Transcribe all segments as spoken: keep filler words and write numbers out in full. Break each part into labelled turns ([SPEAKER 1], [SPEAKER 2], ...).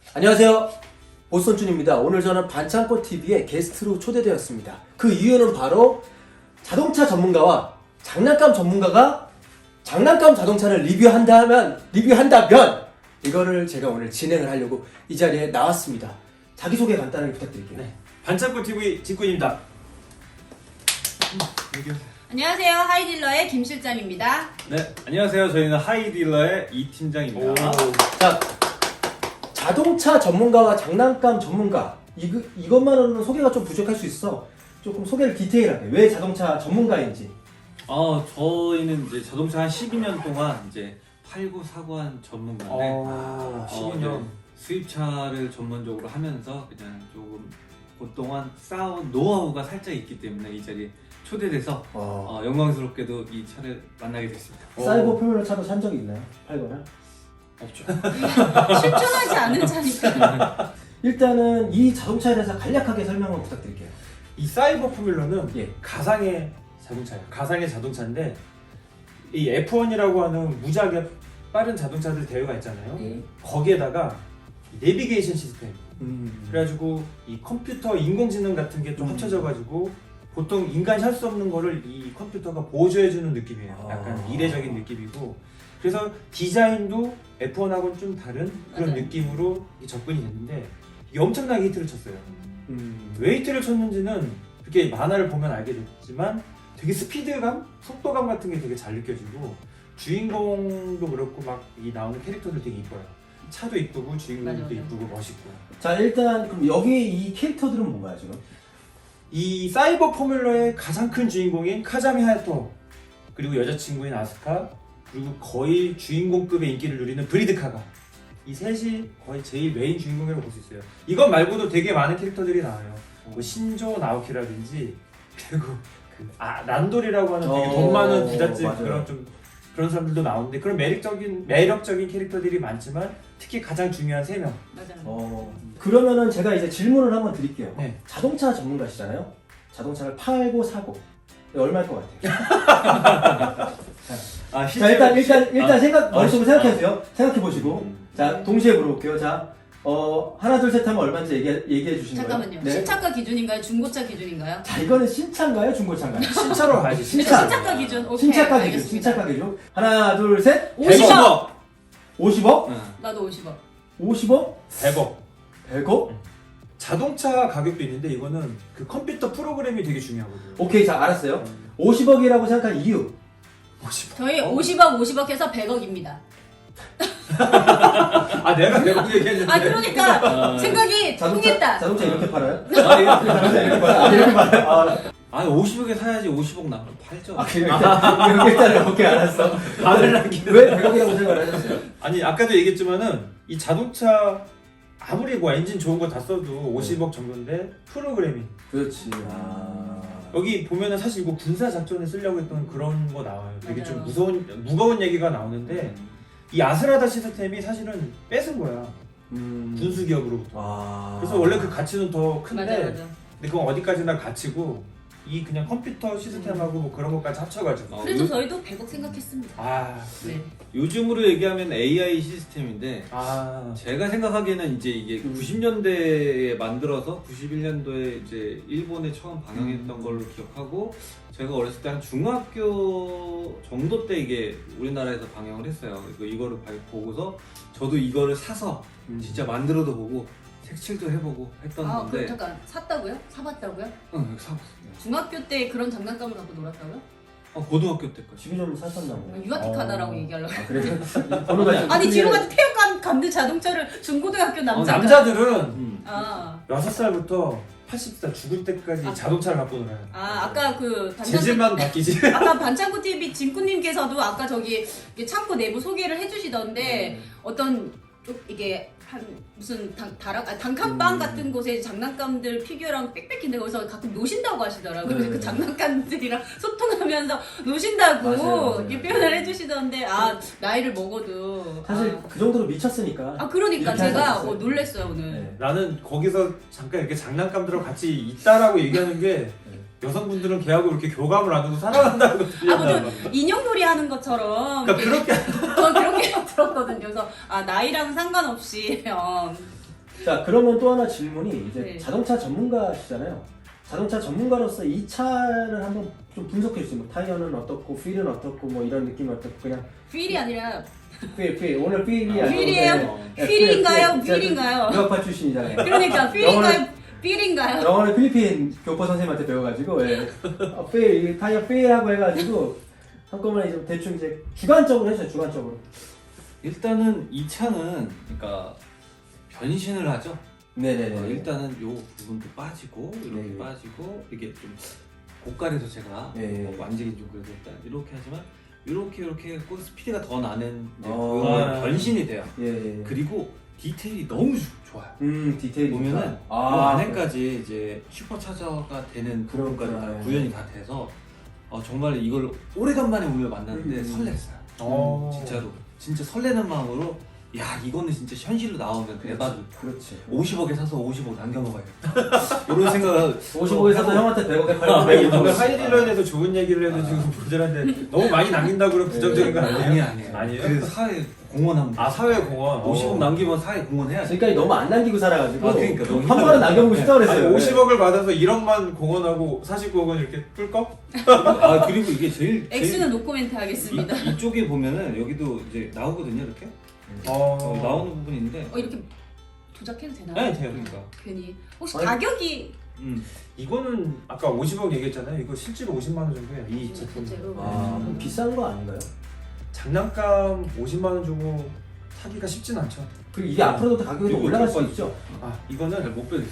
[SPEAKER 1] 안녕하세요. 보선준입니다. 오늘 저는 반창고티비에 게스트로 초대되었습니다. 그 이유는 바로 자동차 전문가와 장난감 전문가가 장난감 자동차를 리뷰한다면, 리뷰한다면 이거를 제가 오늘 진행을 하려고 이 자리에 나왔습니다. 자기소개 간단하게 부탁드릴게요.
[SPEAKER 2] 네. 반창고티비 진꾼입니다.
[SPEAKER 3] 안녕하세요. 하이딜러의 김 실장입니다.
[SPEAKER 4] 네, 안녕하세요. 저희는 하이딜러의 이 팀장입니다.
[SPEAKER 1] 자, 자동차 전문가와 장난감 전문가 이거, 이것만으로는 소개가 좀 부족할 수 있어. 조금 소개를 디테일하게 왜 자동차 전문가인지.
[SPEAKER 4] 어, 저희는 이제 자동차 한 십이 년 동안 이제 팔고 사고 한 전문가인데
[SPEAKER 2] 어, 십이 년.
[SPEAKER 4] 어, 네, 수입차를 전문적으로 하면서 그냥 조금 그동안 쌓아온 노하우가 살짝 있기 때문에 이 자리에 초대돼서
[SPEAKER 1] 어.
[SPEAKER 4] 어, 영광스럽게도 이 차를 만나게 됐습니다.
[SPEAKER 1] 사이버 포뮬러 차도 산 적이 있나요? 팔거나?
[SPEAKER 4] 없죠.
[SPEAKER 3] 실존하지 않은 차니까.
[SPEAKER 1] 일단은 이 자동차에 대해서 간략하게 설명을 부탁드릴게요.
[SPEAKER 2] 이 사이버 포뮬러는
[SPEAKER 1] 예.
[SPEAKER 2] 가상의 자동차예요. 가상의 자동차인데 이 에프 원이라고 하는 무지하게 빠른 자동차들 대회가 있잖아요.
[SPEAKER 1] 예.
[SPEAKER 2] 거기에다가 이 내비게이션 시스템
[SPEAKER 1] 음.
[SPEAKER 2] 그래가지고 이 컴퓨터 인공지능 같은 게 좀
[SPEAKER 1] 음.
[SPEAKER 2] 합쳐져가지고 보통 인간이 할 수 없는 거를 이 컴퓨터가 보조해주는 느낌이에요. 약간
[SPEAKER 1] 아.
[SPEAKER 2] 이례적인 느낌이고 그래서 디자인도 에프 원하고는 좀 다른 그런
[SPEAKER 3] 맞아요.
[SPEAKER 2] 느낌으로 접근이 됐는데 이게 엄청나게 히트를 쳤어요.
[SPEAKER 1] 음.
[SPEAKER 2] 왜 히트를 쳤는지는 그렇게 만화를 보면 알게 됐지만 되게 스피드감, 속도감 같은 게 되게 잘 느껴지고 주인공도 그렇고 막 이 나오는 캐릭터들 되게 이뻐요. 차도 이쁘고 주인공도
[SPEAKER 3] 맞아, 맞아.
[SPEAKER 2] 이쁘고 멋있고.
[SPEAKER 1] 자, 일단 그럼 여기 이 캐릭터들은 뭔가요 지금?
[SPEAKER 2] 이 사이버 포뮬러의 가장 큰 주인공인 카자미 하야토 그리고 여자친구인 아스카 그리고 거의 주인공급의 인기를 누리는 브리드카가 이 셋이 거의 제일 메인 주인공이라고 볼 수 있어요. 이것 말고도 되게 많은 캐릭터들이 나와요. 뭐 신조 나오키라든지 그리고 그 아, 란돌이라고 하는 되게
[SPEAKER 1] 어,
[SPEAKER 2] 돈 많은 부잣집
[SPEAKER 1] 맞아요.
[SPEAKER 2] 그런 좀 그런 사람들도 나오는데 그런 매력적인 매력적인 캐릭터들이 많지만 특히 가장 중요한 세 명.
[SPEAKER 3] 맞아요.
[SPEAKER 1] 어. 그러면은 제가 이제 질문을 한번 드릴게요.
[SPEAKER 2] 네.
[SPEAKER 1] 자동차 전문가시잖아요. 자동차를 팔고 사고 네, 얼마일 것 같아요?
[SPEAKER 4] 아,
[SPEAKER 1] 자, 일단 일단 일단
[SPEAKER 4] 아,
[SPEAKER 1] 생각 머릿속으로
[SPEAKER 4] 아,
[SPEAKER 1] 생각해보세요. 생각해 보시고
[SPEAKER 4] 음.
[SPEAKER 1] 자 동시에 물어볼게요. 자, 어 하나 둘 셋 하면 얼마인지 얘기 얘기해 주시는 거예요.
[SPEAKER 3] 잠깐만요.
[SPEAKER 1] 네.
[SPEAKER 3] 신차가 기준인가요? 중고차 기준인가요?
[SPEAKER 1] 자, 이거는 신차인가요, 중고차인가요?
[SPEAKER 2] 신차로 가야지.
[SPEAKER 1] 신차.
[SPEAKER 3] 신차가 기준. 오케이.
[SPEAKER 1] 신차가 기준,
[SPEAKER 3] 알겠습니다.
[SPEAKER 1] 신차가 기준. 하나 둘 셋.
[SPEAKER 3] 오십억.
[SPEAKER 1] 오십억?
[SPEAKER 4] 응.
[SPEAKER 3] 나도 오십억.
[SPEAKER 1] 오십억?
[SPEAKER 2] 백억.
[SPEAKER 1] 백억?
[SPEAKER 2] 자동차 가격도 있는데 이거는 그 컴퓨터 프로그램이 되게 중요하거든요.
[SPEAKER 1] 오케이, 자 알았어요. 오십억이라고 생각한 이유.
[SPEAKER 2] 오십억.
[SPEAKER 3] 저희
[SPEAKER 2] 어.
[SPEAKER 3] 오십억, 오십억 해서 백억입니다.
[SPEAKER 2] 아 내가 백억 얘기했는데.
[SPEAKER 3] 아 그러니까
[SPEAKER 4] 아,
[SPEAKER 3] 생각이
[SPEAKER 1] 자동차
[SPEAKER 3] 통했다.
[SPEAKER 1] 자동차 이렇게 팔아요?
[SPEAKER 4] 아, 이거-
[SPEAKER 1] 자동차 이렇게 팔아요? 아, 이렇게 팔아요? 아,
[SPEAKER 4] 아, 오십억에 사야지 오십억 나면 팔죠.
[SPEAKER 1] 아 그래 일단 이렇게 일단 오케이 알았어.
[SPEAKER 2] 반을 남기는.
[SPEAKER 1] 왜 백억이라고 생각을 하셨어요?
[SPEAKER 2] 아니 아까도 얘기했지만은 이 자동차 아무리 뭐 엔진 좋은 거 다 써도 오십억 정도인데 프로그래밍
[SPEAKER 1] 그렇지. 아.
[SPEAKER 2] 여기 보면은 사실 이거 군사 작전에 쓰려고 했던 그런 거 나와요. 되게 좀
[SPEAKER 3] 맞아요.
[SPEAKER 2] 무서운 무거운 얘기가 나오는데 이 아스라다 시스템이 사실은 뺏은 거야
[SPEAKER 1] 음.
[SPEAKER 2] 군수 기업으로부터.
[SPEAKER 1] 아.
[SPEAKER 2] 그래서 원래 그 가치는 더 큰데
[SPEAKER 3] 맞아 맞아.
[SPEAKER 2] 근데 그건 어디까지나 가치고 이 그냥 컴퓨터 시스템하고 뭐 그런 것까지 합쳐가지고
[SPEAKER 4] 어,
[SPEAKER 3] 그래도
[SPEAKER 4] 요-
[SPEAKER 3] 저희도 백억 생각했습니다.
[SPEAKER 2] 아,
[SPEAKER 3] 네.
[SPEAKER 4] 요즘으로 얘기하면 에이아이 시스템인데
[SPEAKER 2] 아
[SPEAKER 4] 제가 생각하기에는 이제 이게
[SPEAKER 1] 음.
[SPEAKER 4] 구십 년대에 만들어서 구십일 년도에 이제 일본에 처음 방영했던
[SPEAKER 1] 음.
[SPEAKER 4] 걸로 기억하고 제가 어렸을 때 한 중학교 정도 때 이게 우리나라에서 방영을 했어요. 그리고 이거를 봐- 보고서 저도 이거를 사서
[SPEAKER 1] 음.
[SPEAKER 4] 진짜 만들어도 보고 색칠도 해보고 했던
[SPEAKER 3] 아
[SPEAKER 4] 건데
[SPEAKER 3] 그럼 잠깐 샀다고요? 사봤다고요?
[SPEAKER 4] 응, 사봤습니다.
[SPEAKER 3] 중학교 때 그런 장난감을 갖고 놀았다고요?
[SPEAKER 4] 어, 고등학교 때까지.
[SPEAKER 1] 지금 좀 사셨나고.
[SPEAKER 3] 유아틱하다라고
[SPEAKER 1] 어.
[SPEAKER 3] 얘기하려고.
[SPEAKER 1] 아 그래요? 번호가 좀
[SPEAKER 3] 아니 지금
[SPEAKER 1] 틀리네.
[SPEAKER 3] 같은 태엽감 감는 자동차를 중고등학교 남자가.
[SPEAKER 2] 남자들은
[SPEAKER 4] 음.
[SPEAKER 3] 아,
[SPEAKER 2] 여섯 살부터 팔십 살 죽을 때까지
[SPEAKER 3] 아.
[SPEAKER 2] 자동차를 갖고 놀아요.
[SPEAKER 3] 아 아까 그 반창고
[SPEAKER 2] 재질만 바뀌지.
[SPEAKER 3] 아까 반창고 티비 진꾸님께서도 아까 저기 이게 창고 내부 소개를 해주시던데
[SPEAKER 1] 음.
[SPEAKER 3] 어떤 좀 이게 한 무슨 당, 다락, 아, 단칸방
[SPEAKER 1] 음.
[SPEAKER 3] 같은 곳에 장난감들 피규어랑 빽빽인데 거기서 가끔 노신다고 하시더라고요.
[SPEAKER 1] 네.
[SPEAKER 3] 그래서 그 장난감들이랑 소통하면서 노신다고
[SPEAKER 1] 맞아요, 맞아요.
[SPEAKER 3] 이렇게 표현을 해주시던데 아 나이를 먹어도
[SPEAKER 1] 사실
[SPEAKER 3] 아,
[SPEAKER 1] 그 정도로 미쳤으니까.
[SPEAKER 3] 아 그러니까
[SPEAKER 1] 이렇게
[SPEAKER 3] 제가
[SPEAKER 1] 하셨어요.
[SPEAKER 3] 어, 놀랬어요 오늘.
[SPEAKER 1] 네.
[SPEAKER 2] 나는 거기서 잠깐 이렇게 장난감들하고 같이 있다라고 얘기하는 게 여성분들은 걔하고 이렇게 교감을 안 하고 살아간다고
[SPEAKER 3] 아, 무슨 인형놀이 하는 것처럼
[SPEAKER 2] 그러니까 그렇게
[SPEAKER 3] 저 그렇게 들었거든요. 그래서 아 나이랑 상관없이 어,
[SPEAKER 1] 자, 그러면 또 하나 질문이 이제
[SPEAKER 3] 네.
[SPEAKER 1] 자동차 전문가시잖아요. 자동차 전문가로서 이 차를 한번 좀 분석해 주세요. 뭐 타이어는 어떻고, 필은 어떻고, 뭐 이런 느낌이 어떻고, 그냥
[SPEAKER 3] 휠이 아니라
[SPEAKER 1] 필, 필. 오늘 필이
[SPEAKER 4] 아,
[SPEAKER 1] 아니고
[SPEAKER 3] 휠이에요?
[SPEAKER 1] 네.
[SPEAKER 3] 휠인가요?
[SPEAKER 1] 제가
[SPEAKER 3] 휠인가요?
[SPEAKER 1] 유학파 출신이잖아요.
[SPEAKER 3] 그러니까 필인가요? 필인가요?
[SPEAKER 1] 영어를 필리핀 교포 선생님한테 배워가지고 예. 어, 필, 타이어 필하고 해가지고 한꺼번에 좀 대충 이제 주관적으로 해줘요. 주관적으로.
[SPEAKER 4] 일단은 이 차는 그러니까 변신을 하죠.
[SPEAKER 1] 네네네.
[SPEAKER 4] 어, 일단은 요 부분도 빠지고 이렇게
[SPEAKER 1] 네.
[SPEAKER 4] 빠지고 이게 좀 고가에서 제가
[SPEAKER 1] 네.
[SPEAKER 4] 뭐 만지기 좀 그래서 일단 이렇게 하지만 이렇게 이렇게 했고 스피드가 더 나는 이제
[SPEAKER 1] 어.
[SPEAKER 4] 그런
[SPEAKER 2] 아.
[SPEAKER 4] 변신이 돼요.
[SPEAKER 1] 예. 예.
[SPEAKER 4] 그리고 디테일이 너무 주- 좋아요.
[SPEAKER 1] 음 디테일이
[SPEAKER 4] 보면은
[SPEAKER 1] 좋다.
[SPEAKER 4] 그
[SPEAKER 1] 아,
[SPEAKER 4] 안에까지 이제 슈퍼차저가 되는 부분까지 다
[SPEAKER 1] 그렇구나.
[SPEAKER 4] 구현이 다 돼서 어, 정말 이걸 오래간만에 오늘 만났는데
[SPEAKER 1] 음.
[SPEAKER 4] 설렜어요.
[SPEAKER 2] 어.
[SPEAKER 4] 진짜로 진짜 설레는 마음으로 야 이거는 진짜 현실로 나오면 대박.
[SPEAKER 1] 그렇지.
[SPEAKER 4] 오십억에 사서 오십억 남겨 먹어야겠다. 이런 생각을
[SPEAKER 1] 오십억에 사서 형한테 백억에
[SPEAKER 2] 아,
[SPEAKER 1] 팔고
[SPEAKER 2] 이거
[SPEAKER 1] 백억에
[SPEAKER 2] 하이딜러에 대해서 좋은 얘기를 해도 지금 모자란데 너무 많이 남긴다고 그러면 부정적인 건 아니에요?
[SPEAKER 4] 아니 아니에요.
[SPEAKER 2] 아니에요?
[SPEAKER 4] 그래서 사회 공헌하면 돼.
[SPEAKER 2] 아 사회공헌
[SPEAKER 4] 오십억 남기면 사회 공헌해야지.
[SPEAKER 1] 지금까지 너무 안 남기고 살아가지고
[SPEAKER 4] 아, 그러니까 너무
[SPEAKER 1] 한 번은 남겨보고 싶다
[SPEAKER 2] 아니,
[SPEAKER 1] 그랬어요.
[SPEAKER 2] 오십억을 받아서 일억만 공헌하고 사십구억은 이렇게 꿀꺽?
[SPEAKER 4] 아 그리고 이게 제일 제일
[SPEAKER 3] X는 노코멘트 하겠습니다.
[SPEAKER 4] 이, 이쪽에 보면은 여기도 이제 나오거든요 이렇게
[SPEAKER 2] 어...
[SPEAKER 4] 어, 나오는 부분이 있는데
[SPEAKER 3] 어 이렇게 도작해도 되나요?
[SPEAKER 2] 네 돼요. 그러니까
[SPEAKER 3] 괜히 혹시
[SPEAKER 1] 아니,
[SPEAKER 3] 가격이
[SPEAKER 4] 음.
[SPEAKER 2] 이거는 아까 오십억 얘기했잖아요. 이거 실제로 오십만 원 정도예요. 이 제품.
[SPEAKER 3] 실제로?
[SPEAKER 1] 아, 그럼 비싼 거 아닌가요?
[SPEAKER 2] 장난감 오십만 원 주고 사기가 쉽진 않죠.
[SPEAKER 1] 그리고 이게 앞으로도 더 가격이 더
[SPEAKER 4] 이거
[SPEAKER 1] 올라갈
[SPEAKER 4] 좀
[SPEAKER 1] 수 있죠.
[SPEAKER 2] 아 이거는
[SPEAKER 4] 못 빼겠어.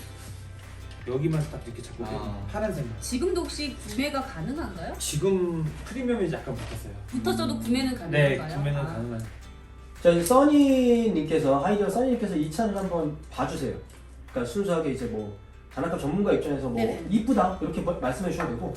[SPEAKER 2] 여기만 딱 이렇게 잡고
[SPEAKER 4] 아.
[SPEAKER 2] 파란색만.
[SPEAKER 3] 지금도 혹시 구매가 가능한가요?
[SPEAKER 2] 지금 프리미엄이 약간 붙었어요.
[SPEAKER 3] 붙었어도 구매는
[SPEAKER 2] 네,
[SPEAKER 3] 가능한가요?
[SPEAKER 2] 구매는
[SPEAKER 3] 아.
[SPEAKER 2] 가능한.
[SPEAKER 1] 저희 써니님께서 하이디어 써니님께서 이 차를 한번 봐주세요. 그러니까 순수하게 이제 뭐 장난감 전문가 입장에서 뭐
[SPEAKER 3] 네네.
[SPEAKER 1] 이쁘다 이렇게 뭐- 말씀해 주셔도 되고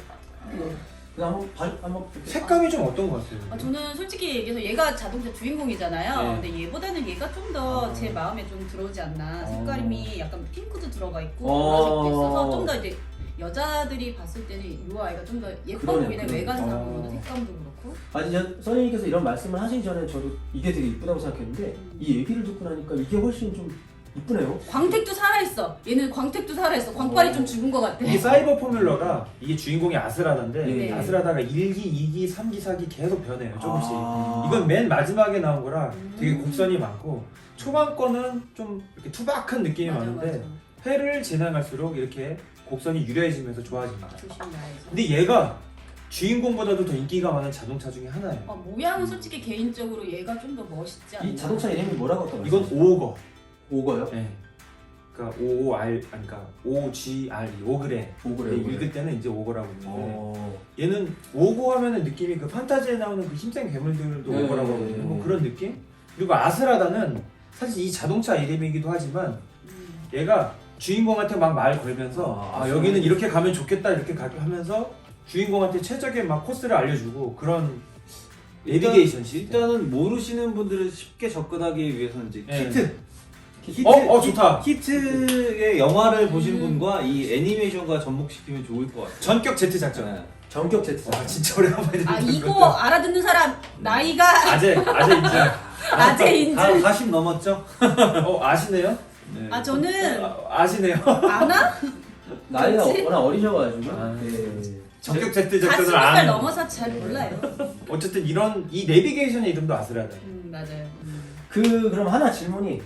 [SPEAKER 1] 그냥 한번 봐 한번 이렇게
[SPEAKER 2] 색감이 좀 어떤 것 같아요?
[SPEAKER 3] 아, 저는 솔직히 얘기해서 얘가 자동차 주인공이잖아요.
[SPEAKER 2] 네.
[SPEAKER 3] 근데 얘보다는 얘가 좀 더 제
[SPEAKER 2] 아.
[SPEAKER 3] 마음에 좀 들어오지 않나.
[SPEAKER 2] 어.
[SPEAKER 3] 색깔이 약간 핑크도 들어가 있고
[SPEAKER 1] 어.
[SPEAKER 3] 보라색도 있어서 좀 더 이제 여자들이 봤을 때는 이 아이가 좀 더 예뻐
[SPEAKER 1] 그러네요,
[SPEAKER 3] 보이네.
[SPEAKER 1] 그러네요.
[SPEAKER 3] 외관상으로도
[SPEAKER 2] 어.
[SPEAKER 3] 색감도 그렇고.
[SPEAKER 1] 아니 저 써니님께서 이런 말씀을 하시기 전에 저도 이게 되게 이쁘다고 생각했는데
[SPEAKER 3] 음.
[SPEAKER 1] 이 얘기를 듣고 나니까 이게 훨씬 좀 이쁘네요.
[SPEAKER 3] 광택도 살아있어. 얘는 광택도 살아있어. 광빨이
[SPEAKER 1] 어.
[SPEAKER 3] 좀 죽은 것 같아.
[SPEAKER 2] 이게 사이버 포뮬러가 이게 주인공이 아스라다인데
[SPEAKER 3] 네.
[SPEAKER 2] 아스라다가 일 기, 이 기, 삼 기, 사 기 계속 변해요. 조금씩.
[SPEAKER 1] 아.
[SPEAKER 2] 이건 맨 마지막에 나온 거라 되게
[SPEAKER 3] 음.
[SPEAKER 2] 곡선이 많고 초반 거는 좀 이렇게 투박한 느낌이
[SPEAKER 3] 맞아,
[SPEAKER 2] 많은데
[SPEAKER 3] 맞아.
[SPEAKER 2] 회를 지나갈수록 이렇게 곡선이 유려해지면서 좋아집니다.
[SPEAKER 3] 조심해야죠.
[SPEAKER 2] 근데 얘가 주인공보다도 더 인기가 많은 자동차 중에 하나예요.
[SPEAKER 3] 어, 모양은 솔직히 개인적으로 얘가 좀 더 멋있지 않나?
[SPEAKER 1] 이 자동차 이름이 뭐라고 아까
[SPEAKER 2] 이건
[SPEAKER 1] 말씀하셨어요?
[SPEAKER 2] 오거.
[SPEAKER 1] 오거요?
[SPEAKER 2] 네. 그러니까 오 알 아니 그러니까 오 지 알 이 오그레.
[SPEAKER 1] 오거래요.
[SPEAKER 2] 네,
[SPEAKER 1] 오거래.
[SPEAKER 2] 읽을 때는 이제 오거라고 있는데
[SPEAKER 1] 어.
[SPEAKER 2] 얘는 오고 하면은 느낌이 그 판타지에 나오는 그 힘센 괴물들도
[SPEAKER 1] 네,
[SPEAKER 2] 오고라고
[SPEAKER 1] 네,
[SPEAKER 2] 하거든요.
[SPEAKER 1] 네.
[SPEAKER 2] 뭐 그런 느낌? 그리고 아스라다는 사실 이 자동차 이름이기도 하지만
[SPEAKER 3] 음.
[SPEAKER 2] 얘가 주인공한테 막 말 걸면서
[SPEAKER 1] 아,
[SPEAKER 2] 아, 여기는 이렇게 가면 좋겠다 이렇게 가 하면서 주인공한테 최적의 막 코스를 알려주고 그런 내비게이션 시스템.
[SPEAKER 4] 일단은 모르시는 분들을 쉽게 접근하기 위해서는 이제
[SPEAKER 2] 네.
[SPEAKER 4] 키트. 히트,
[SPEAKER 2] 어, 어, 좋다.
[SPEAKER 4] 히트의 영화를 보신
[SPEAKER 3] 음.
[SPEAKER 4] 분과 이 애니메이션과 접목시키면 좋을 것 같아요.
[SPEAKER 2] 전격 Z 작전.
[SPEAKER 4] 네.
[SPEAKER 1] 전격 제트.
[SPEAKER 2] 와 진짜 오랜만에
[SPEAKER 3] 아
[SPEAKER 2] 듣는
[SPEAKER 3] 이거
[SPEAKER 2] 건데.
[SPEAKER 3] 알아듣는 사람 나이가
[SPEAKER 2] 아재 아재 인증.
[SPEAKER 3] 아재 인증.
[SPEAKER 4] 다 사십 넘었죠?
[SPEAKER 2] 어 아시네요?
[SPEAKER 4] 네.
[SPEAKER 3] 아 저는
[SPEAKER 2] 아, 아시네요?
[SPEAKER 3] 아나?
[SPEAKER 1] 나이가
[SPEAKER 3] 그치?
[SPEAKER 1] 워낙 어리셔가지고.
[SPEAKER 2] 아.
[SPEAKER 1] 네.
[SPEAKER 2] 전격 Z
[SPEAKER 3] 사십
[SPEAKER 2] 작전을
[SPEAKER 3] 살
[SPEAKER 2] 안.
[SPEAKER 3] 넘어서 잘 몰라요.
[SPEAKER 2] 어쨌든 이런 이 내비게이션의 이름도 아스라다.
[SPEAKER 3] 음 맞아요. 음.
[SPEAKER 1] 그 그럼 하나 질문이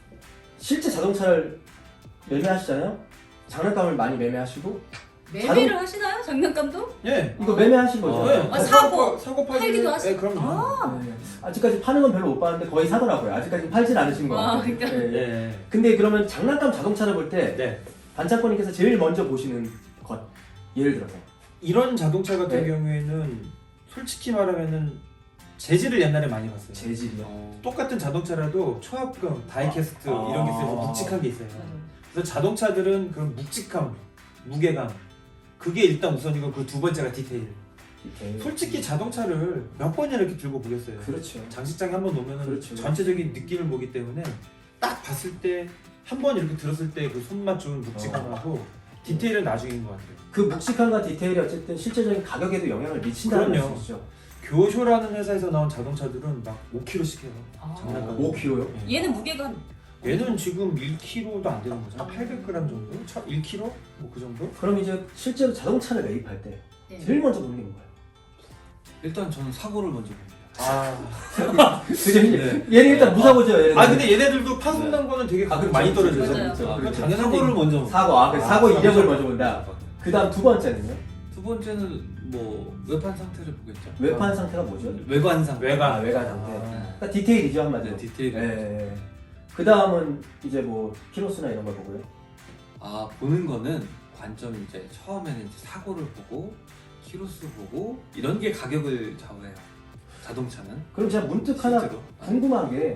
[SPEAKER 1] 실제 자동차를 매매하시잖아요. 장난감을 많이 매매하시고
[SPEAKER 3] 매매를 하시나요? 장난감도?
[SPEAKER 2] 예.
[SPEAKER 1] 이거 매매하신 거죠?
[SPEAKER 2] 어,
[SPEAKER 1] 네.
[SPEAKER 3] 아, 사고,
[SPEAKER 2] 사고 팔기
[SPEAKER 3] 팔기도 하시-
[SPEAKER 2] 네, 그럼요.
[SPEAKER 3] 아.
[SPEAKER 1] 네. 아직까지 파는 건 별로 못 봤는데 거의 사더라고요. 아직까지 팔진 않으신 것
[SPEAKER 3] 아,
[SPEAKER 1] 같아요.
[SPEAKER 3] 그러니까.
[SPEAKER 1] 네.
[SPEAKER 2] 네.
[SPEAKER 1] 근데 그러면 장난감 자동차를 볼 때
[SPEAKER 2] 네.
[SPEAKER 1] 반창고님께서 제일 먼저 보시는 것 예를 들어서
[SPEAKER 2] 이런 자동차 같은
[SPEAKER 1] 네.
[SPEAKER 2] 경우에는 솔직히 말하면은 재질을 옛날에 많이 봤어요.
[SPEAKER 1] 재질이요.
[SPEAKER 4] 어,
[SPEAKER 2] 똑같은 자동차라도 초합금, 다이캐스트
[SPEAKER 1] 아.
[SPEAKER 2] 이런 게 있어서
[SPEAKER 1] 아.
[SPEAKER 2] 묵직한 게 있어요.
[SPEAKER 3] 맞아요.
[SPEAKER 2] 그래서 자동차들은 그런 묵직함, 무게감 그게 일단 우선이고 그 두 번째가 디테일.
[SPEAKER 1] 디테일.
[SPEAKER 2] 솔직히 자동차를 몇 번이나 이렇게 들고 보겠어요.
[SPEAKER 1] 그렇죠.
[SPEAKER 2] 장식장에 한 번 놓으면
[SPEAKER 1] 그렇죠.
[SPEAKER 2] 전체적인 느낌을 보기 때문에 딱 봤을 때 한 번 이렇게 들었을 때 그 손맛 좋은 묵직함하고 디테일은 나중인 것 같아요.
[SPEAKER 1] 그 묵직함과 디테일이 어쨌든 실제적인 가격에도 영향을 미친다는
[SPEAKER 2] 그럼요.
[SPEAKER 1] 말씀이시죠.
[SPEAKER 2] 교쇼라는 회사에서 나온 자동차들은 막 오 킬로그램씩 해요.
[SPEAKER 3] 아.
[SPEAKER 2] 장난감.
[SPEAKER 1] 오 킬로그램요?
[SPEAKER 2] 예.
[SPEAKER 3] 얘는 무게가
[SPEAKER 2] 얘는 지금 일 킬로그램도 안 되는 거죠. 팔백 그램 정도? 일 킬로그램? 뭐 그 정도?
[SPEAKER 1] 그럼 이제 실제로 자동차를 매입할 때
[SPEAKER 3] 네.
[SPEAKER 1] 제일 먼저 보는 게 뭔가요?
[SPEAKER 4] 일단 저는 사고를 먼저 봅니다.
[SPEAKER 2] 아.
[SPEAKER 1] 그게
[SPEAKER 4] 네.
[SPEAKER 1] 얘는 일단 무사고죠. 얘는.
[SPEAKER 2] 아 근데 얘네들도 파손난 거는 되게 가끔
[SPEAKER 1] 그렇죠,
[SPEAKER 2] 많이
[SPEAKER 1] 그렇죠,
[SPEAKER 2] 떨어져요.
[SPEAKER 3] 맞아요.
[SPEAKER 1] 그렇죠,
[SPEAKER 4] 아,
[SPEAKER 1] 그렇죠.
[SPEAKER 4] 당연한 사고를 먼저 봅니다.
[SPEAKER 1] 사고, 아, 그
[SPEAKER 2] 아,
[SPEAKER 1] 사고 이력을
[SPEAKER 2] 사고.
[SPEAKER 1] 먼저 본다. 그다음 두 번째는요?
[SPEAKER 4] 두 번째는 뭐 외판 상태를 보겠죠.
[SPEAKER 1] 외판 상태가 뭐죠?
[SPEAKER 4] 외관 상태.
[SPEAKER 2] 외관.
[SPEAKER 1] 아, 외관 상태.
[SPEAKER 2] 아.
[SPEAKER 1] 그러니까 디테일이죠 한마디로.
[SPEAKER 4] 네, 디테일.
[SPEAKER 1] 예. 그 다음은 이제 뭐 키로수나 이런 걸 보고요.
[SPEAKER 4] 아 보는 거는 관점이 이제 처음에는 이제 사고를 보고 키로수 보고 이런 게 가격을 좌우해요. 자동차는.
[SPEAKER 1] 그럼 제가 문득 하나
[SPEAKER 4] 실제로.
[SPEAKER 1] 궁금한 게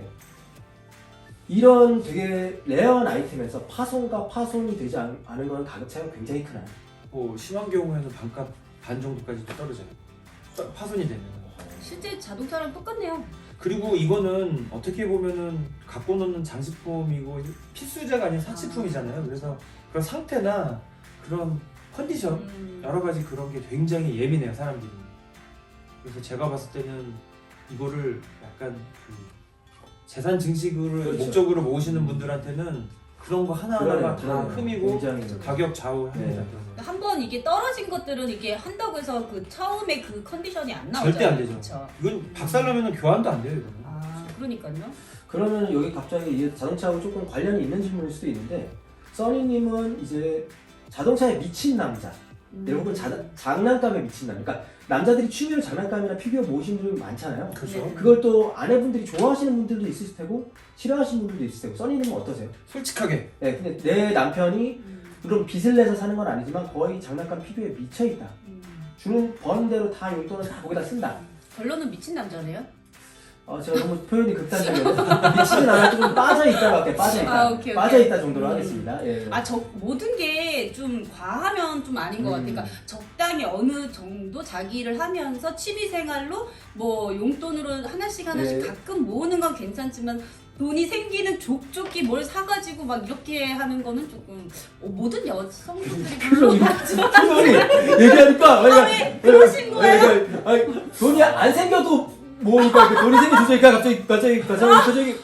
[SPEAKER 1] 이런 되게 레어한 아이템에서 파손과 파손이 되지 않, 않은 건 가격 차이가 굉장히 크나요?
[SPEAKER 2] 뭐 심한 경우에는 반값 반 정도까지 떨어져요. 떠- 파손이 되면.
[SPEAKER 3] 실제 자동차랑 똑같네요.
[SPEAKER 2] 그리고 이거는 어떻게 보면은 갖고 노는 장식품이고 필수제가 아닌 사치품이잖아요. 그래서 그런 상태나 그런 컨디션
[SPEAKER 3] 음.
[SPEAKER 2] 여러 가지 그런 게 굉장히 예민해요 사람들이. 그래서 제가 봤을 때는 이거를 약간 그 재산 증식을
[SPEAKER 1] 그렇죠.
[SPEAKER 2] 목적으로 모으시는 분들한테는 그런 거 하나하나가
[SPEAKER 1] 그러네요,
[SPEAKER 2] 다
[SPEAKER 1] 그러네요.
[SPEAKER 2] 흠이고
[SPEAKER 1] 굉장히
[SPEAKER 2] 가격 좌우합니다.
[SPEAKER 1] 네.
[SPEAKER 2] 그런 거.
[SPEAKER 3] 한번 이게 떨어진 것들은 이게 한다고 해서 그 처음에 그 컨디션이 안 나오잖아요.
[SPEAKER 2] 절대 안 되죠.
[SPEAKER 3] 그쵸?
[SPEAKER 2] 이건 박살나면 교환도 안 돼요 이거는.
[SPEAKER 3] 아, 그러니까요.
[SPEAKER 1] 그러면 여기 갑자기 이게 자동차하고 조금 관련이 있는 질문일 수도 있는데 써니님은 이제 자동차에 미친 남자
[SPEAKER 3] 음.
[SPEAKER 1] 혹은 자, 장난감에 미친 남자 그러니까 남자들이 취미로 장난감이나 피규어 모으시는 분들이 많잖아요.
[SPEAKER 2] 그렇죠.
[SPEAKER 3] 네.
[SPEAKER 1] 그걸 또 아내분들이 좋아하시는 분들도 있을 테고 싫어하시는 분들도 있을 테고 써니님은 어떠세요?
[SPEAKER 2] 솔직하게
[SPEAKER 1] 네, 근데 내 남편이
[SPEAKER 3] 음.
[SPEAKER 1] 물론 빚을 내서 사는 건 아니지만 거의 장난감 피규어에 미쳐있다.
[SPEAKER 3] 음. 주는
[SPEAKER 1] 주는 버는 대로 다 용돈을 다 거기다 쓴다.
[SPEAKER 3] 결론은 미친 남자네요.
[SPEAKER 1] 어, 제가 너무 표현이 극단적이어서 미치진 않아도 좀 빠져있다고 할게요. 빠져있다.
[SPEAKER 3] 아, 오케이, 오케이.
[SPEAKER 1] 빠져있다 정도로
[SPEAKER 3] 음.
[SPEAKER 1] 하겠습니다. 예.
[SPEAKER 3] 아, 저 모든 게 좀 과하면 좀 아닌 것
[SPEAKER 1] 음.
[SPEAKER 3] 같아요. 그러니까 적당히 어느 정도 자기 일을 하면서 취미 생활로 뭐 용돈으로 하나씩 하나씩
[SPEAKER 1] 네.
[SPEAKER 3] 가끔 모으는 건 괜찮지만 돈이 생기는 족족히 뭘 사가지고 막 이렇게 하는 거는 조금 어, 모든 여성분들이
[SPEAKER 1] 표정이
[SPEAKER 3] 그런
[SPEAKER 1] 표정이 얘기하니까
[SPEAKER 3] 아, 왜 그러신 거예요?
[SPEAKER 1] 아니, 돈이 안 생겨도 모으니까 이렇게 돈이 생겨 주니까 갑자기 갑자기 갑자기 표정이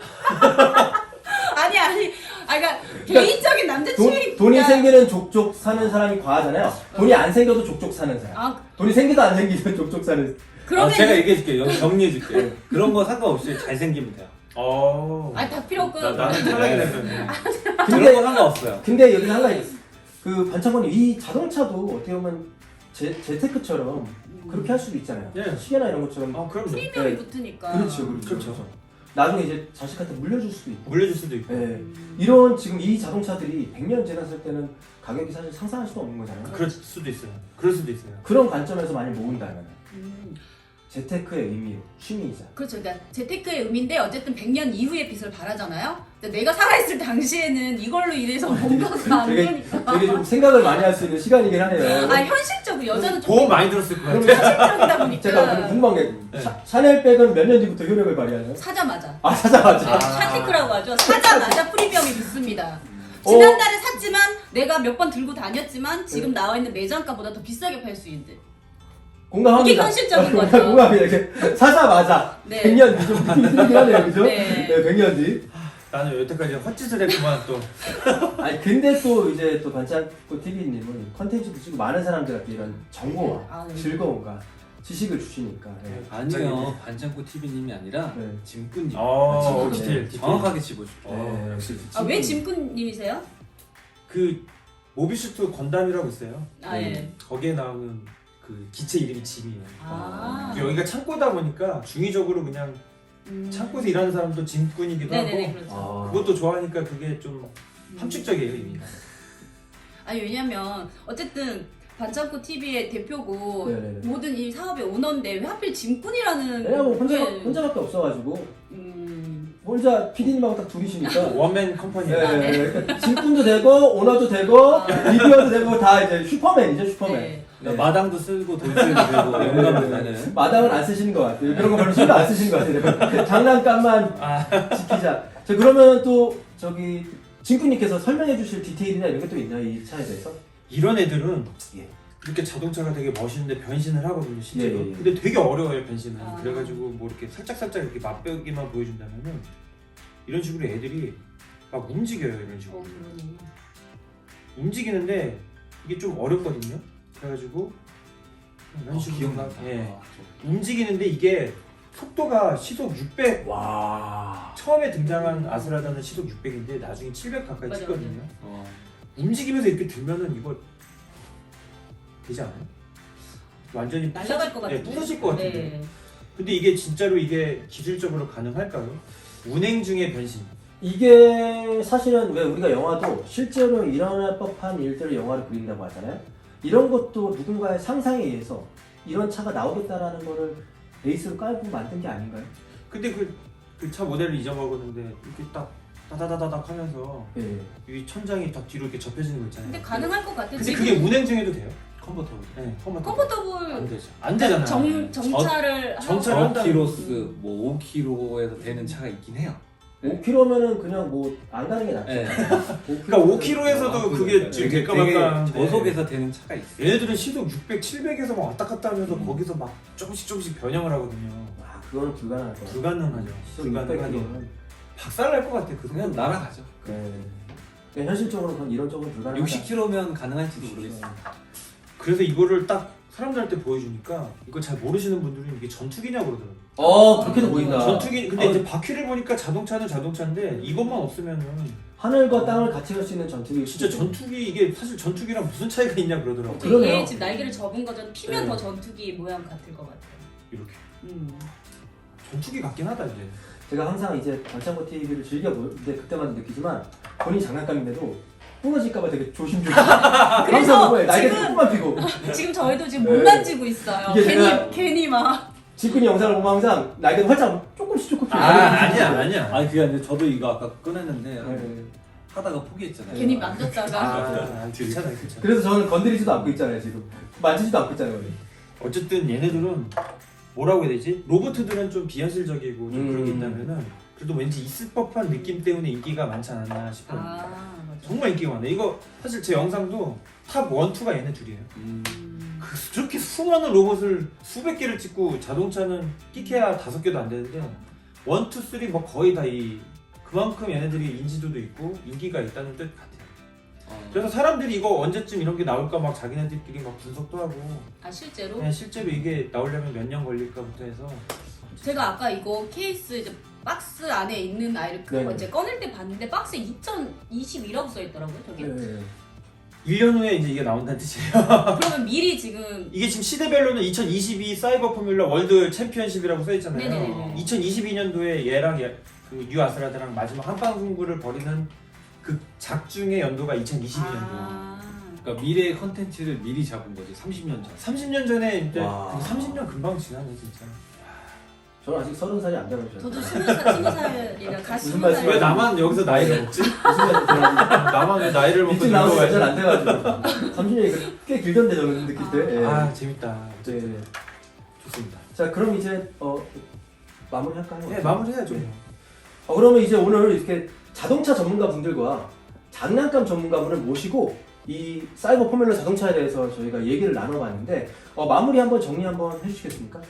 [SPEAKER 3] 아니 아니 아 그러니까 개인적인 남자 취미
[SPEAKER 1] 돈, 돈이 생기는 족족 사는 사람이 과하잖아요. 돈이 안 생겨도 족족 사는 사람.
[SPEAKER 3] 아
[SPEAKER 1] 돈이 생기도 안 생기도 족족 사는.
[SPEAKER 3] 그러면
[SPEAKER 4] 아, 제가 얘기해줄게요. 정리해줄게요. 그런 거 상관없이 잘생기면 돼요.
[SPEAKER 2] 어.
[SPEAKER 3] 아니 다 필요 없고
[SPEAKER 2] 나, 나는 탈락이 되면
[SPEAKER 4] 그런
[SPEAKER 1] 근데
[SPEAKER 4] 거 상관없어요.
[SPEAKER 1] 근데 여기 한 가지 있어. 그 반창고님 이 자동차도 어떻게 보면 제 재테크처럼 그렇게 할 수도 있잖아요.
[SPEAKER 2] 예.
[SPEAKER 1] 시계나 이런 것처럼.
[SPEAKER 2] 아 그럼요.
[SPEAKER 3] 프리미엄이
[SPEAKER 1] 네.
[SPEAKER 3] 붙으니까
[SPEAKER 1] 그렇죠, 그렇죠,
[SPEAKER 2] 그렇죠.
[SPEAKER 1] 나중에 이제 자식한테 물려줄 수도 있고.
[SPEAKER 2] 물려줄 수도 있고.
[SPEAKER 1] 예.
[SPEAKER 3] 음.
[SPEAKER 1] 이런 지금 이 자동차들이 백 년 지났을 때는 가격이 사실 상상할 수도 없는 거잖아요.
[SPEAKER 2] 그럴 수도 있어요. 그럴 수도 있어요.
[SPEAKER 1] 그런 관점에서 많이 모은다면
[SPEAKER 3] 음.
[SPEAKER 1] 재테크의 의미로 취미이자.
[SPEAKER 3] 그렇죠. 그러니까 재테크의 의미인데 어쨌든 백 년 이후의 빚을 바라잖아요. 근데 내가 살아있을 당시에는 이걸로 인해서 뭔가가 안
[SPEAKER 1] 되게
[SPEAKER 3] 되니까.
[SPEAKER 1] 되게 좀 생각을 많이 할 수 있는 시간이긴 하네요.
[SPEAKER 3] 아 현실적으로 여자는 좀
[SPEAKER 2] 보험 많이 들었을 거예요.
[SPEAKER 3] 현실적이다 보니까
[SPEAKER 1] 제가 그럼 궁금한 게
[SPEAKER 2] 네.
[SPEAKER 1] 샤, 샤넬백은 몇 년 뒤부터 효력을 발휘하나요?
[SPEAKER 3] 사자마자.
[SPEAKER 1] 아 사자마자.
[SPEAKER 3] 네, 샤티크라고 하죠. 사자마자 프리미엄이 붙습니다.
[SPEAKER 1] 어.
[SPEAKER 3] 지난달에 샀지만 내가 몇 번 들고 다녔지만 지금 나와 있는 매장가보다 더 비싸게 팔 수 있는.
[SPEAKER 1] 공감합니다.
[SPEAKER 3] 이게 현실적인
[SPEAKER 1] 어,
[SPEAKER 3] 거죠.
[SPEAKER 1] 공감합니다. 이렇게 사자마자
[SPEAKER 3] 네.
[SPEAKER 1] 백 년 뒤 좀 느낌이 들긴 하네요, 그죠?
[SPEAKER 3] 네.
[SPEAKER 1] 네, 백 년 뒤.
[SPEAKER 2] 나는 여태까지 헛짓을 했구만 또.
[SPEAKER 1] 아니 근데 또 이제 또 반창고 티비님은 컨텐츠도 찍고 많은 사람들한테 이런 정보와
[SPEAKER 3] 아, 네.
[SPEAKER 1] 즐거움과 지식을 주시니까. 네.
[SPEAKER 4] 아니요. 반창고 티비님이 아니라
[SPEAKER 1] 네.
[SPEAKER 4] 짐꾼님.
[SPEAKER 2] 어,
[SPEAKER 1] 네.
[SPEAKER 2] 디테일, 디테일.
[SPEAKER 4] 정확하게 집어줘.
[SPEAKER 2] 어,
[SPEAKER 1] 네,
[SPEAKER 2] 역시.
[SPEAKER 3] 아, 왜 짐꾼님이세요?
[SPEAKER 2] 그 모비슈트 건담이라고 있어요.
[SPEAKER 3] 아 예.
[SPEAKER 2] 거기에 나오는 그 기체 이름이 짐이에요.
[SPEAKER 3] 아.
[SPEAKER 2] 여기가 창고다 보니까 중의적으로 그냥
[SPEAKER 3] 음.
[SPEAKER 2] 창고에서 일하는 사람도 짐꾼이기도
[SPEAKER 3] 네네네
[SPEAKER 2] 하고
[SPEAKER 3] 그렇죠.
[SPEAKER 1] 아.
[SPEAKER 2] 그것도 좋아하니까 그게 좀 함축적이에요 의미가.
[SPEAKER 3] 아니 왜냐면 어쨌든 반창고 티비의 대표고
[SPEAKER 1] 네네네.
[SPEAKER 3] 모든 이 사업의 오너인데 왜 하필 짐꾼이라는
[SPEAKER 1] 왜냐면 뭐 혼자
[SPEAKER 3] 게-
[SPEAKER 1] 혼자밖에 없어가지고
[SPEAKER 3] 음.
[SPEAKER 1] 혼자 피디님하고 딱 둘이시니까.
[SPEAKER 2] 원맨 컴퍼니.
[SPEAKER 1] 네,
[SPEAKER 3] 아, 네.
[SPEAKER 1] 그러니까 짐꾼도 되고 오너도 되고
[SPEAKER 3] 아.
[SPEAKER 1] 리뷰어도 되고 다 이제 슈퍼맨이죠 슈퍼맨.
[SPEAKER 3] 네.
[SPEAKER 1] 네.
[SPEAKER 4] 마당도 쓰고 돈 쓰고 되고
[SPEAKER 1] 네.
[SPEAKER 4] 용감도 되는.
[SPEAKER 1] 마당은 안 쓰시는 것 같아요. 그런 거 별로 신경 안 쓰시는 것 같아요. 장난감만
[SPEAKER 2] 아.
[SPEAKER 1] 지키자. 자 그러면 또 저기 진구님께서 설명해 주실 디테일이나 이런 게 또 있나요 이 차에 대해서?
[SPEAKER 2] 이런 애들은
[SPEAKER 1] 예.
[SPEAKER 2] 이렇게 자동차가 되게 멋있는데 변신을 하거든요 실제로.
[SPEAKER 1] 예, 예, 예.
[SPEAKER 2] 근데 되게 어려워요 변신은.
[SPEAKER 3] 아.
[SPEAKER 2] 그래가지고 뭐 이렇게 살짝 살짝 이렇게 맛보기만 보여준다면은 이런 식으로 애들이 막 움직여요. 이런 식으로
[SPEAKER 3] 어 그러네.
[SPEAKER 2] 움직이는데 이게 좀 어렵거든요. 그래가지고 이런
[SPEAKER 4] 어,
[SPEAKER 2] 식으로
[SPEAKER 4] 기억나.
[SPEAKER 2] 막, 예.
[SPEAKER 4] 아,
[SPEAKER 2] 움직이는데 이게 속도가 시속 육백
[SPEAKER 1] 와.
[SPEAKER 2] 처음에 등장한 아스라다는 시속 육백인데 나중에 칠백 가까이
[SPEAKER 3] 맞아,
[SPEAKER 2] 찍거든요.
[SPEAKER 4] 어.
[SPEAKER 2] 움직이면서 이렇게 들면은 이거 되지 않아요? 완전히
[SPEAKER 3] 날아갈 것
[SPEAKER 2] 부서질- 네,
[SPEAKER 3] 같은데.
[SPEAKER 2] 부서질 것 같은데.
[SPEAKER 3] 네.
[SPEAKER 2] 근데 이게 진짜로 이게 기술적으로 가능할까요? 운행 중에 변신.
[SPEAKER 1] 이게 사실은 왜 우리가 영화도 실제로 일어날 법한 일들을 영화로 그린다고 하잖아요. 이런 것도 누군가의 상상에 의해서 이런 차가 나오겠다라는 거를 베이스로 깔고 만든 게 아닌가요?
[SPEAKER 2] 근데 그 그 차 모델을 잊어먹었는데 이렇게 딱 따다다다닥 하면서
[SPEAKER 1] 예.
[SPEAKER 2] 이 천장이 딱 뒤로 이렇게 접혀지는 거 있잖아요.
[SPEAKER 3] 근데 가능할 것 같아.
[SPEAKER 2] 근데
[SPEAKER 3] 지금
[SPEAKER 2] 그게 운행 중에도 돼요?
[SPEAKER 4] 컴포터블.
[SPEAKER 2] 네, 컴포터.
[SPEAKER 3] 컴포터블
[SPEAKER 2] 안 되죠. 안 되잖아요.
[SPEAKER 3] 정 정차를 하고-
[SPEAKER 2] 정차를 한다는-
[SPEAKER 4] 오 킬로미터 뭐 오 킬로미터에서 되는 차가 있긴 해요. 네.
[SPEAKER 1] 오 킬로미터면은 그냥 뭐 안 가는 게 낫죠.
[SPEAKER 4] 네.
[SPEAKER 2] 그러니까 오 킬로미터에서도
[SPEAKER 4] 아,
[SPEAKER 2] 그게
[SPEAKER 4] 되게,
[SPEAKER 2] 지금
[SPEAKER 4] 되게
[SPEAKER 2] 될까 말까
[SPEAKER 4] 저속에서 되는 차가 있어요.
[SPEAKER 2] 얘네들은 시속 육백, 칠백에서 막 왔다 갔다 하면서
[SPEAKER 1] 음.
[SPEAKER 2] 거기서 막 조금씩 조금씩 변형을 하거든요.
[SPEAKER 1] 아, 그거는 불가능할 것 같아요.
[SPEAKER 2] 불가능하죠. 불가능하게. 박살날 것 같아. 그
[SPEAKER 4] 그냥
[SPEAKER 2] 속도.
[SPEAKER 4] 날아가죠.
[SPEAKER 1] 네. 그러니까 현실적으로 그건 이런 쪽은 불가능하다.
[SPEAKER 4] 육십 킬로미터면 가능할지도 모르겠어요.
[SPEAKER 2] 그래서 이거를 딱 사람들한테 보여주니까 이걸 잘 모르시는 분들은 이게 전투기냐고 그러더라고요.
[SPEAKER 1] 어, 그렇게도 보인다.
[SPEAKER 2] 전투기. 근데
[SPEAKER 1] 어.
[SPEAKER 2] 이제 바퀴를 보니까 자동차는 자동차인데 이것만 없으면은
[SPEAKER 1] 하늘과 땅을 같이 갈 수 있는 전투기.
[SPEAKER 2] 진짜 전투기 이게 사실 전투기랑 무슨 차이가 있냐 그러더라고.
[SPEAKER 3] 근데
[SPEAKER 1] 그러네요.
[SPEAKER 3] 얘 지금 날개를 접은 거전 피면
[SPEAKER 2] 네.
[SPEAKER 3] 더 전투기 모양 같을 것 같아요.
[SPEAKER 2] 이렇게
[SPEAKER 3] 음.
[SPEAKER 2] 전투기 같긴 하다 이제.
[SPEAKER 1] 제가 항상 이제 반창고 티비를 즐겨 보는데 그때마다 느끼지만 본인 장난감인데도 부러질까봐 되게 조심조심. 항상 보고 날개
[SPEAKER 3] 지금-
[SPEAKER 1] 조금만 피고.
[SPEAKER 3] 지금 저희도 지금
[SPEAKER 1] 네.
[SPEAKER 3] 못 만지고 있어요.
[SPEAKER 1] 이게
[SPEAKER 3] 괜히
[SPEAKER 1] 제가-
[SPEAKER 3] 괜히 막.
[SPEAKER 1] 직군이 영상을 보면 항상 날개도 활짝 조금씩 조금씩.
[SPEAKER 2] 아 아니야 아니야.
[SPEAKER 4] 아니 그게 아니라 저도 이거 아까 꺼냈는데
[SPEAKER 1] 네.
[SPEAKER 4] 하다가 포기했잖아요.
[SPEAKER 3] 괜히 만졌다가.
[SPEAKER 2] 아 괜찮아 괜찮아.
[SPEAKER 1] 그래서 저는 건드리지도 않고 있잖아요 지금. 만지지도 않고 있잖아요. 우리.
[SPEAKER 2] 어쨌든 얘네들은 뭐라고 해야 되지? 로봇들은 좀 비현실적이고 좀
[SPEAKER 1] 음.
[SPEAKER 2] 그런 게 있다면은 그래도 왠지 있을 법한 느낌 때문에 인기가 많지 않았나 싶어요.
[SPEAKER 3] 아 맞아.
[SPEAKER 2] 정말 인기가 많네. 이거 사실 제 영상도 탑 일, 이가 얘네 둘이에요.
[SPEAKER 4] 음.
[SPEAKER 3] 음.
[SPEAKER 2] 그, 그렇게 수많은 로봇을 수백 개를 찍고 자동차는 끼케야 다섯 개도 안 되는데 일, 이, 삼 뭐 거의 다 이 그만큼 얘네들이 인지도도 있고 인기가 있다는 뜻 같아요.
[SPEAKER 4] 어.
[SPEAKER 2] 그래서 사람들이 이거 언제쯤 이런 게 나올까 막 자기네들끼리 막 분석도 하고
[SPEAKER 3] 아 실제로?
[SPEAKER 2] 그냥 실제로 이게 나오려면 몇 년 걸릴까부터 해서
[SPEAKER 3] 제가 아까 이거 케이스 이제 박스 안에 있는 아이를 그거
[SPEAKER 1] 네네.
[SPEAKER 3] 이제 꺼낼 때 봤는데 박스에 이천이십이라고 써 있더라고요. 저기.
[SPEAKER 1] 네.
[SPEAKER 2] 일 년 후에 이제 이게 나온다는 뜻이에요.
[SPEAKER 3] 그러면 미리 지금
[SPEAKER 2] 이게 지금 시대별로는 이천이십이 사이버 포뮬러 월드 챔피언십이라고 써 있잖아요.
[SPEAKER 3] 네네네.
[SPEAKER 2] 이천이십이 년도에 얘랑 얘, 그 뉴아스라드랑 마지막 한방 승부를 벌이는 그 작중의 연도가 이천이십이 년도.
[SPEAKER 3] 아.
[SPEAKER 4] 그러니까 미래의 컨텐츠를 미리 잡은 거지 삼십 년 전.
[SPEAKER 2] 삼십 년 전에 이제
[SPEAKER 1] 와.
[SPEAKER 2] 근데 삼십 년 금방 지나네 진짜.
[SPEAKER 1] 저는 아직 서른 살이 안 돼가지고.
[SPEAKER 3] 저도 스무 살, 스무 살이라 가
[SPEAKER 1] 무슨
[SPEAKER 3] 스무
[SPEAKER 1] 말씀-
[SPEAKER 2] 왜
[SPEAKER 3] 살.
[SPEAKER 2] 나만 여기서 나이를 먹지?
[SPEAKER 1] 무슨 말인지 제가
[SPEAKER 2] 나만 왜 나이를 먹고
[SPEAKER 1] 일찍 나온 지
[SPEAKER 2] 늙어가지고.
[SPEAKER 1] 몇년 안 돼가지고. 삼십 년이 꽤 길던데 저는 느낄 때. 예.
[SPEAKER 2] 아 재밌다.
[SPEAKER 1] 네.
[SPEAKER 2] 좋습니다.
[SPEAKER 1] 자 그럼 이제 어 마무리할까요?
[SPEAKER 2] 네 마무리해야죠.
[SPEAKER 1] 어, 그러면 이제 오늘 이렇게 자동차 전문가 분들과 장난감 전문가분을 모시고 이 사이버 포뮬러 자동차에 대해서 저희가 얘기를 나눠봤는데 어, 마무리 한번 정리 한번 해주시겠습니까?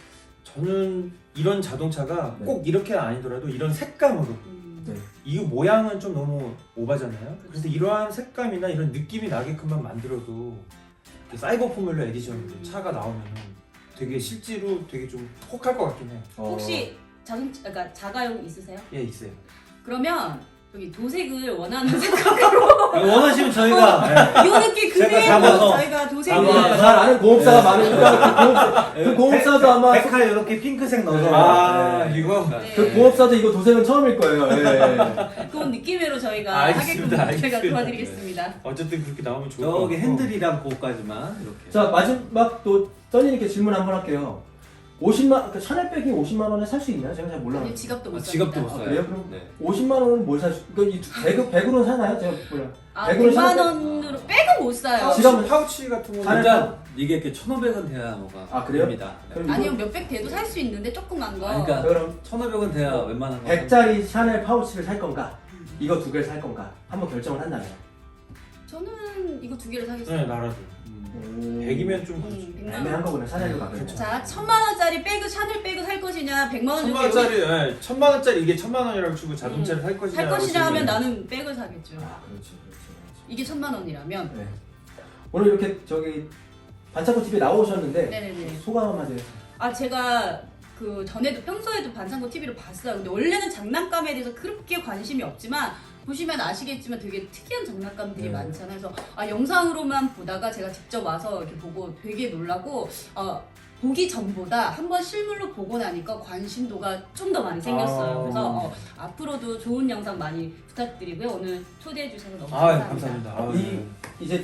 [SPEAKER 2] 저는 이런 자동차가
[SPEAKER 1] 네.
[SPEAKER 2] 꼭 이렇게 아니더라도 이런 색감으로
[SPEAKER 3] 음.
[SPEAKER 1] 네.
[SPEAKER 2] 이 모양은 좀 너무 오바잖아요. 그래서 이러한 색감이나 이런 느낌이 나게끔만 만들어도 이렇게 사이버 포뮬러 에디션
[SPEAKER 3] 음.
[SPEAKER 2] 차가 나오면 되게 실제로 되게 좀 혹할 것 같긴 해요.
[SPEAKER 1] 어,
[SPEAKER 3] 혹시 자동차 그러니까 자가용 있으세요?
[SPEAKER 2] 예 있어요.
[SPEAKER 3] 그러면 여기 도색을 원하는 색깔로
[SPEAKER 4] 원하시면 저희가
[SPEAKER 3] 이 느낌
[SPEAKER 4] 제가
[SPEAKER 3] 그대로
[SPEAKER 4] 잡아서
[SPEAKER 3] 저희가 도색을
[SPEAKER 1] 아마 잘 아는 공업사가
[SPEAKER 4] 네.
[SPEAKER 1] 많으니까 그, 공업사, 그 공업사도 아마
[SPEAKER 4] 백칼 이렇게 핑크색 넣어서
[SPEAKER 2] 아
[SPEAKER 1] 네.
[SPEAKER 2] 이거
[SPEAKER 3] 네.
[SPEAKER 1] 그 공업사도 이거 도색은 처음일 거예요. 예.
[SPEAKER 3] 그런 느낌으로 저희가
[SPEAKER 2] 알겠습니다,
[SPEAKER 3] 하게끔
[SPEAKER 2] 알겠습니다.
[SPEAKER 3] 저희가 도와드리겠습니다.
[SPEAKER 2] 어쨌든 그렇게 나오면 좋을 것 같고
[SPEAKER 4] 저기 핸들이랑 그거까지만 이렇게.
[SPEAKER 1] 자 마지막 또 써니님께 질문 한번 할게요. 오십만 그러니까 샤넬백이 오십만 원에 살 수 있나요? 제가 잘 몰라요.
[SPEAKER 3] 아니, 지갑도 못
[SPEAKER 4] 아,
[SPEAKER 3] 삽니다.
[SPEAKER 4] 지갑도 못
[SPEAKER 1] 아,
[SPEAKER 4] 써요.
[SPEAKER 1] 그래요? 그럼
[SPEAKER 4] 네.
[SPEAKER 1] 오십만 원은 뭘 살 수? 그러니까 이 백, 백으로는 사나요? 제가 몰라요.
[SPEAKER 3] 아,
[SPEAKER 1] 백으로
[SPEAKER 3] 백만
[SPEAKER 1] 샤넬백-
[SPEAKER 3] 원으로 백은 못 사요.
[SPEAKER 2] 파우치,
[SPEAKER 1] 지갑은-
[SPEAKER 2] 파우치 같은 거
[SPEAKER 1] 샤넬-
[SPEAKER 4] 일단 이게 이렇게 천오백 원 돼야 뭐가
[SPEAKER 1] 아, 그래요?
[SPEAKER 4] 됩니다. 네.
[SPEAKER 1] 그럼 이거
[SPEAKER 3] 아니요 몇백 대도 살 수 있는데 조그만 거.
[SPEAKER 4] 아니, 그러니까
[SPEAKER 1] 그럼
[SPEAKER 4] 천오백 원 돼야 웬만한 거.
[SPEAKER 1] 백짜리 샤넬 파우치를 살 건가? 이거 두 개를 살 건가? 한번 결정을 한다면.
[SPEAKER 3] 저는 이거 두 개를
[SPEAKER 2] 네
[SPEAKER 3] 사겠어요.
[SPEAKER 2] 나라도.
[SPEAKER 4] 음.
[SPEAKER 1] 오.
[SPEAKER 2] 백이면 좀
[SPEAKER 3] 음, 백만 원.
[SPEAKER 1] 애매한 거구나. 샤넬로 가면.
[SPEAKER 3] 자, 천만 원짜리 백을 샤넬 백을 살 것이냐, 백만 원
[SPEAKER 2] 천만 원짜리, 예, 천만 원짜리 이게 천만 원이라고 치고 자동차를 살 것이냐?
[SPEAKER 3] 살 것이냐 하면 나는 백을 사겠죠.
[SPEAKER 1] 아, 그렇지, 그렇지, 그렇지.
[SPEAKER 3] 이게 천만 원이라면.
[SPEAKER 1] 네. 오늘 이렇게 저기 반창고 티비에 나오셨는데
[SPEAKER 3] 네네네.
[SPEAKER 1] 소감 한마디 해주세요.
[SPEAKER 3] 아 제가 그 전에도 평소에도 반창고 티비를 봤어요. 근데 원래는 장난감에 대해서 그렇게 관심이 없지만 보시면 아시겠지만 되게 특이한 장난감들이
[SPEAKER 1] 네.
[SPEAKER 3] 많잖아요. 그래서 아 영상으로만 보다가 제가 직접 와서 이렇게 보고 되게 놀라고 어, 보기 전보다 한번 실물로 보고 나니까 관심도가 좀 더 많이 생겼어요.
[SPEAKER 2] 아.
[SPEAKER 3] 그래서 어, 앞으로도 좋은 영상 많이 부탁드리고요. 오늘 초대해 주셔서 너무
[SPEAKER 2] 아,
[SPEAKER 3] 감사합니다.
[SPEAKER 2] 감사합니다. 아,
[SPEAKER 1] 이 이제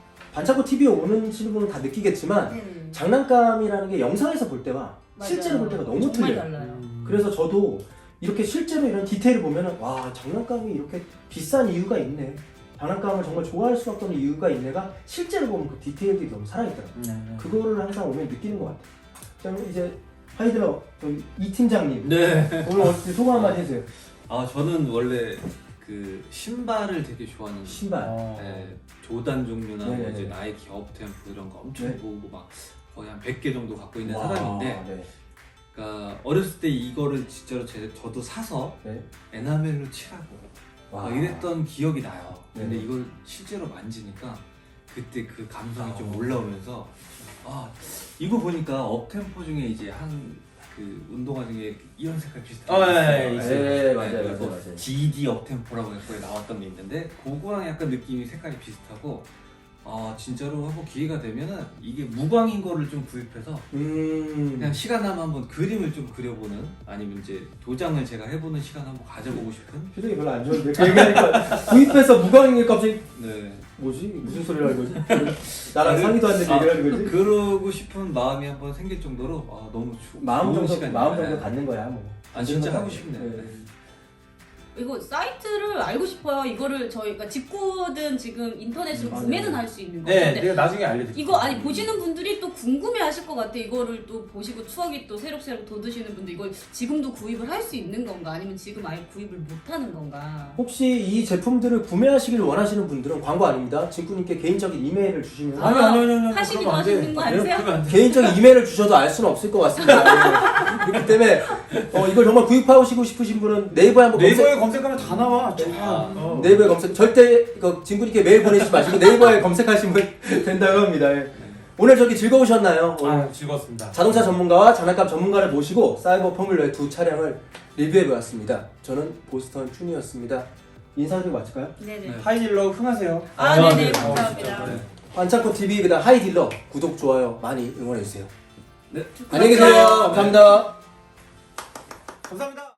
[SPEAKER 1] 반창고 티비에 오는 분은 다 느끼겠지만
[SPEAKER 3] 네.
[SPEAKER 1] 장난감이라는 게 영상에서 볼 때와
[SPEAKER 3] 맞아요.
[SPEAKER 1] 실제로 볼 때가 너무
[SPEAKER 3] 정말
[SPEAKER 1] 틀려요.
[SPEAKER 3] 달라요.
[SPEAKER 2] 음.
[SPEAKER 1] 그래서 저도 이렇게 실제로 이런 디테일을 보면은 와 장난감이 이렇게 비싼 이유가 있네. 장난감을 정말 좋아할 수밖에 없는 이유가 있네가 실제로 보면 그 디테일들이 너무 살아있더라고요.
[SPEAKER 2] 네, 네.
[SPEAKER 1] 그거를 항상 오면 느끼는 것 같아요. 그럼 이제 하이드러 저기 이 팀장님
[SPEAKER 4] 네.
[SPEAKER 1] 오늘 어떻게 소감 한마디 해주세요.
[SPEAKER 4] 아 저는 원래 그 신발을 되게 좋아하는
[SPEAKER 1] 신발.
[SPEAKER 2] 어.
[SPEAKER 4] 네, 조단 종류나 뭐
[SPEAKER 1] 네네네.
[SPEAKER 4] 이제 나이키 업템포 이런 거 엄청
[SPEAKER 1] 네.
[SPEAKER 4] 보고 막 거의 한 백 개 정도 갖고 있는
[SPEAKER 1] 와,
[SPEAKER 4] 사람인데
[SPEAKER 1] 네.
[SPEAKER 4] 그러니까 어렸을 때 이거를 진짜로 제, 저도 사서
[SPEAKER 1] 네.
[SPEAKER 4] 에나멜로 칠하고
[SPEAKER 1] 와.
[SPEAKER 4] 막 이랬던 기억이 나요. 근데
[SPEAKER 1] 네.
[SPEAKER 4] 이걸 실제로 만지니까 그때 그 감성이 좀
[SPEAKER 1] 아.
[SPEAKER 4] 올라오면서 아 이거 보니까 업템포 중에 이제 한 그 운동화 중에 이런 색깔 비슷한
[SPEAKER 2] 어,
[SPEAKER 4] 거
[SPEAKER 2] 예,
[SPEAKER 4] 있어요.
[SPEAKER 2] 예,
[SPEAKER 1] 있어요. 네, 맞아요,
[SPEAKER 4] 그리고
[SPEAKER 1] 맞아요, 맞아요.
[SPEAKER 4] 지디 업템포라고 해서 거기 나왔던 게 있는데 그거랑 약간 느낌이 색깔이 비슷하고 아 진짜로 한번 기회가 되면은 이게 무광인 거를 좀 구입해서
[SPEAKER 1] 음.
[SPEAKER 4] 그냥 시간 나면 한번 그림을 좀 그려보는 아니면 이제 도장을 제가 해보는 시간 한번 가져보고 싶은
[SPEAKER 1] 표정이 별로 안 좋은데 그 얘기하니까 구입해서 무광인 갑자기
[SPEAKER 4] 네
[SPEAKER 1] 뭐지? 무슨 소리를 하는 거지? 나랑
[SPEAKER 4] 그-
[SPEAKER 1] 상의도 안 되는
[SPEAKER 4] 아,
[SPEAKER 1] 얘기를 하는 거지?
[SPEAKER 4] 그러고 싶은 마음이 한번 생길 정도로 아 너무 조,
[SPEAKER 1] 마음
[SPEAKER 4] 좋은
[SPEAKER 1] 정도
[SPEAKER 4] 시간이에요.
[SPEAKER 1] 마음 정도
[SPEAKER 4] 네.
[SPEAKER 1] 갖는 거야 뭐.
[SPEAKER 4] 아 진짜
[SPEAKER 1] 그런
[SPEAKER 4] 하고
[SPEAKER 1] 거
[SPEAKER 4] 싶네요.
[SPEAKER 1] 아니에요.
[SPEAKER 4] 네.
[SPEAKER 3] 이거 사이트를 알고 싶어요. 이거를 저희가 직구든 지금 인터넷으로
[SPEAKER 1] 맞아요.
[SPEAKER 3] 구매는 할 수 있는
[SPEAKER 2] 네,
[SPEAKER 3] 건데
[SPEAKER 2] 내가 나중에 알려드릴게요.
[SPEAKER 3] 이거 아니 보시는 분들이 또 궁금해하실 것 같아. 이거를 또 보시고 추억이 또 새록새록 돋으시는 분들 이걸 지금도 구입을 할 수 있는 건가? 아니면 지금 아예 구입을 못하는 건가?
[SPEAKER 1] 혹시 이 제품들을 구매하시길 원하시는 분들은 광고 아닙니다. 진구님께 개인적인 이메일을 주시면
[SPEAKER 2] 아니 아니 아니 아니
[SPEAKER 3] 하시기도
[SPEAKER 2] 그러면 안 돼.
[SPEAKER 3] 하시는 거
[SPEAKER 2] 아,
[SPEAKER 3] 아니세요?
[SPEAKER 2] 그러면 안 돼.
[SPEAKER 1] 개인적인 이메일을 주셔도 알 수는 없을 것 같습니다. 예. 그렇기 때문에 어, 이걸 정말 구입하시고 싶으신 분은 네이버에 한번
[SPEAKER 2] 네이버에
[SPEAKER 1] 검색,
[SPEAKER 2] 검색하면 다 나와. 쫙.
[SPEAKER 4] 아,
[SPEAKER 2] 어.
[SPEAKER 1] 네이버에 검색 절대 그 진구님께 메일 보내시지 마시고 네이버에 검색하시면 된다고 합니다. 예. 오늘 저기 즐거우셨나요? 오늘
[SPEAKER 2] 아, 즐거웠습니다.
[SPEAKER 1] 자동차 전문가와 장난감 전문가를 모시고 사이버 포뮬러의 두 차량을 리뷰해보았습니다. 저는 보스턴 춘이었습니다. 인사드리고 마칠까요?
[SPEAKER 3] 네네.
[SPEAKER 4] 네.
[SPEAKER 2] 하이딜러 흥하세요.
[SPEAKER 3] 아, 네네.
[SPEAKER 2] 어,
[SPEAKER 3] 감사합니다.
[SPEAKER 2] 진짜. 네.
[SPEAKER 1] 반창고 티비 그다음 하이딜러 구독 좋아요 많이 응원해주세요.
[SPEAKER 4] 네.
[SPEAKER 1] 안녕히 계세요. 감사합니다.
[SPEAKER 2] 감사합니다.